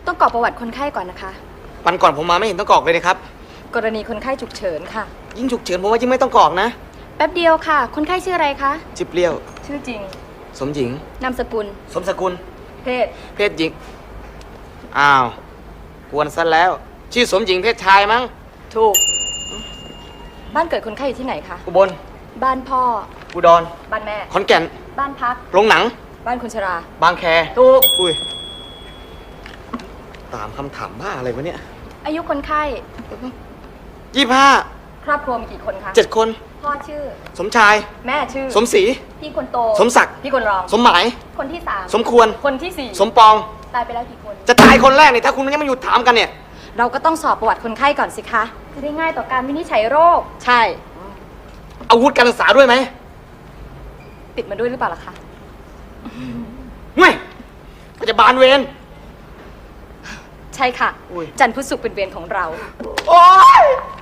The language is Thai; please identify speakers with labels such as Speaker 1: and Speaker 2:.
Speaker 1: ต้องกรอกประวัติคนไข้ก่อนนะคะ
Speaker 2: วันก่อนผมมาไม่เห็นต้องกรอกเลยนะครับ
Speaker 1: กรณีคนไข้ฉุกเฉินค่ะ
Speaker 2: ยิ่งฉุกเฉินผมว่ายิ่งไม่ต้องกรอกนะ
Speaker 1: แป๊บเดียวค่ะ คนไข้ชื่ออะไรคะ
Speaker 2: จิบเปรี้ยว
Speaker 1: ชื่อจริง
Speaker 2: สมหญิง
Speaker 1: นามสกุล
Speaker 2: สมสกุล
Speaker 1: เพศ
Speaker 2: เพศหญิง อ้าว กวนซะแล้ว ชื่อสมหญิงเพศชายมั้ง
Speaker 1: ถูก บ้านเกิดคนไข้อยู่ที่ไหนคะ
Speaker 2: อุบล
Speaker 1: บ้านพ่อ
Speaker 2: อุดร
Speaker 1: บ้านแม่
Speaker 2: ขอนแก่น
Speaker 1: บ้านพัก
Speaker 2: โรงหนัง
Speaker 1: บ้านคนชรา
Speaker 2: บางแค
Speaker 1: ถูก
Speaker 2: อุ้ย ตามคำถามบ้าอะไรวะเนี่ย
Speaker 1: อายุคนไข้
Speaker 2: 25
Speaker 1: ครอบครัวมีกี่คนคะ
Speaker 2: 7 คน
Speaker 1: พ่อชื่อ
Speaker 2: สมชาย
Speaker 1: แม่ชื่อ
Speaker 2: สมศรี
Speaker 1: พี่คนโต
Speaker 2: สมศักดิ์
Speaker 1: พี่คนรอง
Speaker 2: สมหมาย
Speaker 1: คนที่สาม
Speaker 2: สมควร
Speaker 1: คนที่สี่
Speaker 2: สมปอง
Speaker 1: ตายไปแล้วกี่คน
Speaker 2: จะตายคนแรกเนี่ยถ้าคุณยังไม่หยุดถามกันเนี่ย
Speaker 1: เราก็ต้องสอบประวัติคนไข้ก่อนสิคะ จะได้ง่ายต่อการวินิจฉัยโรค ใช่
Speaker 2: อาวุธการศึกษาด้วยไหม
Speaker 1: ติดมาด้วยหรือเปล่าล่ะคะ
Speaker 2: ห่วยพยาบาลเวร
Speaker 1: ใช่ค่ะ
Speaker 2: อุ๊ย
Speaker 1: จันทร์พุธศุกร์เป็นเวรของเรา
Speaker 2: โอ๊ย